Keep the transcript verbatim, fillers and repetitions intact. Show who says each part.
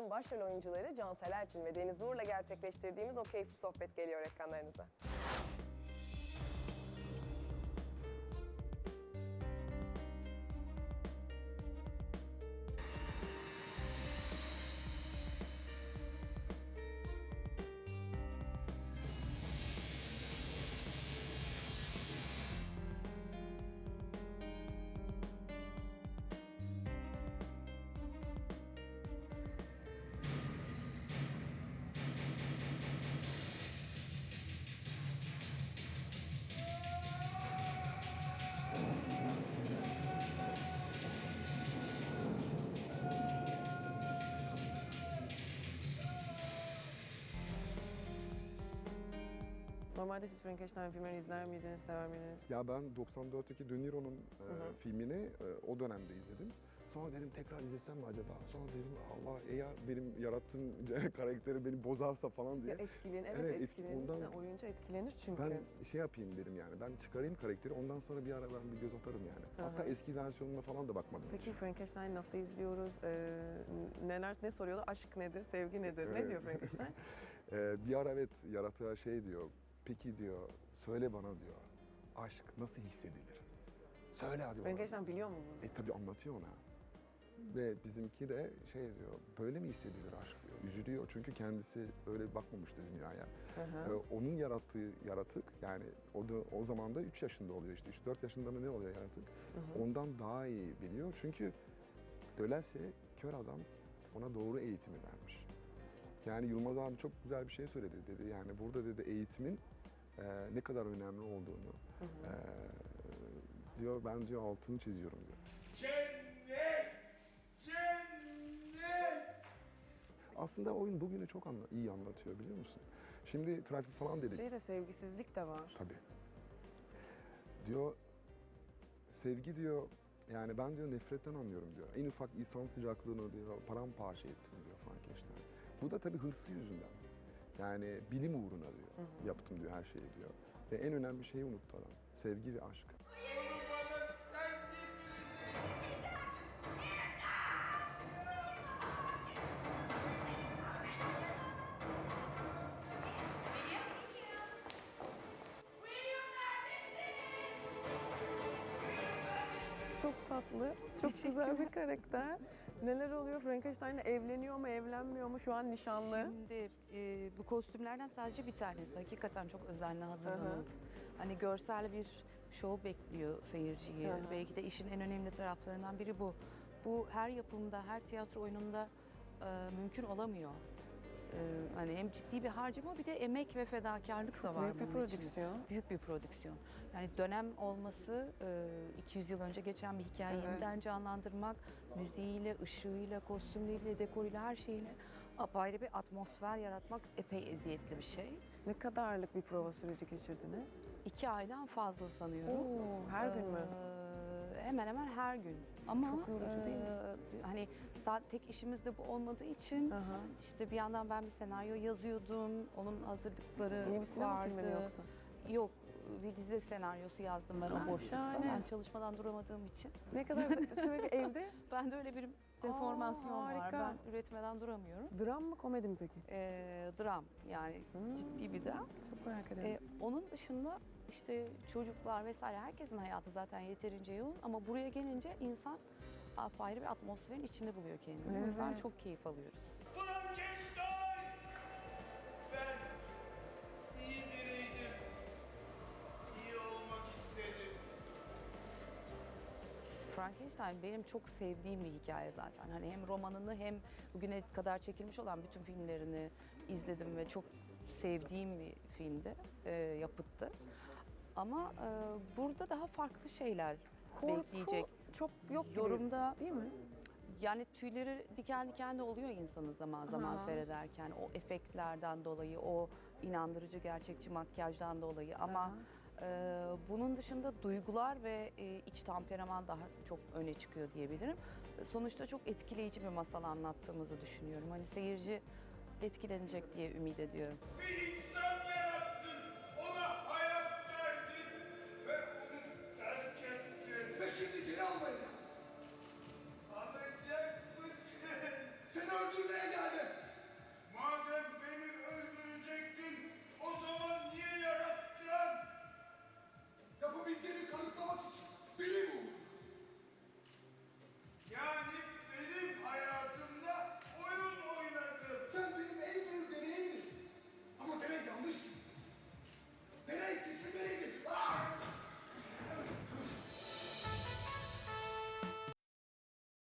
Speaker 1: Aşk'ın başrol oyuncuları Cansel Erçin ve Deniz Uğur'la gerçekleştirdiğimiz o keyifli sohbet geliyor ekranlarınıza. Normalde siz Frankenstein filmlerini izler miydiniz, sever miydiniz?
Speaker 2: Ya ben doksan dörtteki De Niro'nun e, filmini e, o dönemde izledim. Sonra dedim tekrar izlesem mi acaba? Sonra dedim Allah ya benim yarattığım karakteri beni bozarsa falan diye.
Speaker 1: Ya etkilen, evet,
Speaker 2: Evet,
Speaker 1: etkilenir.
Speaker 2: ondan-
Speaker 1: Sen oyuncu etkilenir çünkü.
Speaker 2: Ben şey yapayım dedim yani, ben çıkarayım karakteri, ondan sonra bir ara ben bir göz atarım yani. Hatta eski versiyonuna falan da bakmadım.
Speaker 1: Peki
Speaker 2: hiç.
Speaker 1: Frankenstein nasıl izliyoruz? Ee, neler ne soruyorlar? Aşk nedir? Sevgi nedir? Ne
Speaker 2: Evet.
Speaker 1: diyor Frankenstein?
Speaker 2: Ee, bir ara evet yaratığa şey diyor, peki diyor, söyle bana diyor, aşk nasıl hissedilir? Söyle hadi bana.
Speaker 1: Frankenstein biliyor mu bunu?
Speaker 2: E tabii anlatıyor ona. Ve bizimki de şey diyor, böyle mi hissedilir aşk diyor. Üzülüyor çünkü kendisi öyle bakmamıştı dünyaya.
Speaker 1: Hı hı.
Speaker 2: Ee, onun yarattığı yaratık, yani o da o zaman da üç yaşında oluyor işte, üç dört yaşında mı ne oluyor yaratık. Ondan daha iyi biliyor çünkü Dölase kör adam ona doğru eğitimi vermiş. Yani Yılmaz abi çok güzel bir şey söyledi dedi. Yani burada dedi eğitimin e, ne kadar önemli olduğunu e, diyor, ben diyor altını çiziyorum diyor.
Speaker 3: Cennet! Cennet!
Speaker 2: Aslında oyun bugünü çok anla, iyi anlatıyor biliyor musun? Şimdi trafik falan dedik.
Speaker 1: Şeyde sevgisizlik de var.
Speaker 2: Tabii. Diyor, sevgi diyor, yani ben diyor nefretten anlıyorum diyor. En ufak insan sıcaklığını diyor paramparça ettim diyor Frankenstein. Bu da tabii hırsı yüzünden. Yani bilim uğruna diyor, yaptım diyor her şeyi diyor. Ve en önemli şeyi unuttu adam, sevgi ve aşk.
Speaker 3: Onu bana sen getireceksin.
Speaker 1: Çok tatlı, çok güzel bir karakter. Neler oluyor? Frankenstein evleniyor mu, evlenmiyor mu? Şu an nişanlı.
Speaker 4: Şimdi e, bu kostümlerden sadece bir tanesi. Hakikaten çok özenle hazırlanıldı. Hani görsel bir şov bekliyor seyirciyi.
Speaker 1: Hı hı.
Speaker 4: Belki de işin en önemli taraflarından biri bu. Bu her yapımda, her tiyatro oyununda e, mümkün olamıyor. E, hani hem ciddi bir harcama, bir de emek ve fedakarlık da var.
Speaker 1: büyük bir
Speaker 4: bunun içinde.
Speaker 1: prodüksiyon.
Speaker 4: Büyük bir prodüksiyon. Yani dönem olması, e, iki yüz yıl önce geçen bir hikayeyi
Speaker 1: Evet.
Speaker 4: yeniden canlandırmak, müziğiyle, ışığıyla, kostümleriyle, dekoruyla, her şeyiyle apayrı bir atmosfer yaratmak epey eziyetli bir şey.
Speaker 1: Ne kadarlık bir prova süreci geçirdiniz?
Speaker 4: İki aydan fazla sanıyorum.
Speaker 1: Oo, her gün mü?
Speaker 4: Ee, hemen hemen her gün. Ama
Speaker 1: Çok yorucu değil mi?
Speaker 4: e, Hani sadece tek işimiz de bu olmadığı için
Speaker 1: Aha.
Speaker 4: işte bir yandan ben bir senaryo yazıyordum. Onun hazırlıkları
Speaker 1: Yeni bir sinema
Speaker 4: vardı.
Speaker 1: filmi mi yoksa?
Speaker 4: Yok. Bir dizi senaryosu yazdım ben o boşlukta.
Speaker 1: Şahane.
Speaker 4: Ben çalışmadan duramadığım için.
Speaker 1: Ne kadar güzel. Sürekli evde.
Speaker 4: Ben de öyle bir deformasyon var.
Speaker 1: harika.
Speaker 4: Ben üretmeden duramıyorum.
Speaker 1: Dram mı, komedi mi peki?
Speaker 4: Ee, dram, yani ciddi bir dram.
Speaker 1: Çok merak ederim.
Speaker 4: Ee, onun dışında işte çocuklar vesaire, herkesin hayatı zaten yeterince yoğun ama buraya gelince insan apayrı bir atmosferin içinde buluyor kendini.
Speaker 1: Evet.
Speaker 4: O yüzden çok keyif alıyoruz.
Speaker 3: Frankenstein! Ben iyi biriydim. İyi olmak istedim.
Speaker 4: Frankenstein benim çok sevdiğim bir hikaye zaten. Hani hem romanını hem bugüne kadar çekilmiş olan bütün filmlerini izledim ve çok sevdiğim bir filmdi, e, yapıttı. Ama e, burada daha farklı şeyler
Speaker 1: Korku
Speaker 4: bekleyecek.
Speaker 1: çok yok gibi.
Speaker 4: Yorumda
Speaker 1: Değil mi?
Speaker 4: yani tüyleri diken diken de oluyor insanın zaman zaman
Speaker 1: Aha.
Speaker 4: seyrederken. O efektlerden dolayı, o inandırıcı gerçekçi makyajdan dolayı. Ama e, bunun dışında duygular ve e, iç temperaman daha çok öne çıkıyor diyebilirim. Sonuçta çok etkileyici bir masal anlattığımızı düşünüyorum. Hani seyirci etkilenecek diye ümit ediyorum.
Speaker 3: Bir